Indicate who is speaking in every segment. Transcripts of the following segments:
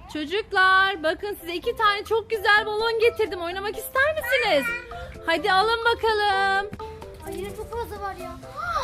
Speaker 1: Çocuklar bakın size 2 tane çok güzel balon getirdim. Oynamak ister misiniz? Hadi alın bakalım.
Speaker 2: Ay yine çok fazla var ya.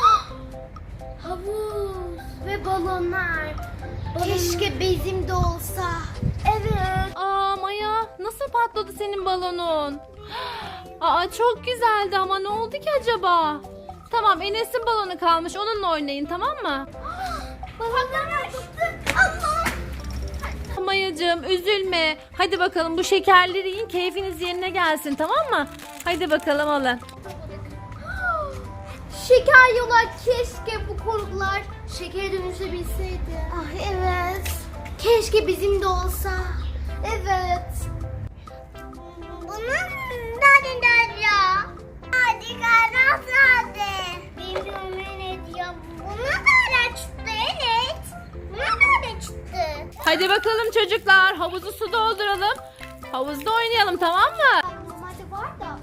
Speaker 2: Havuz ve balonlar. Keşke bizim de olsa. Evet.
Speaker 1: Aa Maya, nasıl patladı senin balonun? Aa çok güzeldi ama ne oldu ki acaba? Tamam, Enes'in balonu kalmış, onunla oynayın, tamam mı?
Speaker 2: Balonlar çıktı. Allah.
Speaker 1: Mayacığım üzülme. Hadi bakalım bu şekerleri yiyin, keyfiniz yerine gelsin, tamam mı? Hadi bakalım alın.
Speaker 2: Şeker yola keşke bu koruklar şekere dönüşebilseydi. Ah evet. Keşke bizim de olsa. Evet. Bunun nereden ya? Hadi karas hadi. Bilmiyorum ne diyor. Buna nereden çıktı evet? Buna nereden çıktı?
Speaker 1: Hadi bakalım çocuklar, havuzu su dolduralım. Havuzda oynayalım, tamam mı?
Speaker 2: Normalde var da.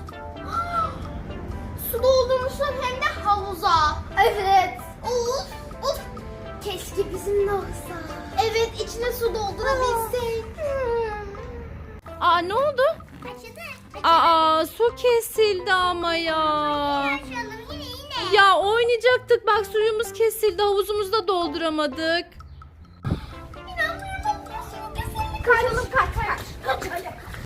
Speaker 2: Su doldurmuşlar hem de havuza. Evet. Of of. Keşke bizim de olsa. Evet içine su doldurabilsek.
Speaker 1: Aa ne oldu?
Speaker 2: Açıldı.
Speaker 1: Aa su kesildi ama ya.
Speaker 2: Açalım yine.
Speaker 1: Ya oynayacaktık, bak suyumuz kesildi, havuzumuzu da dolduramadık.
Speaker 2: İnanmıyorum. Su kesildi. Kaçalım kaç.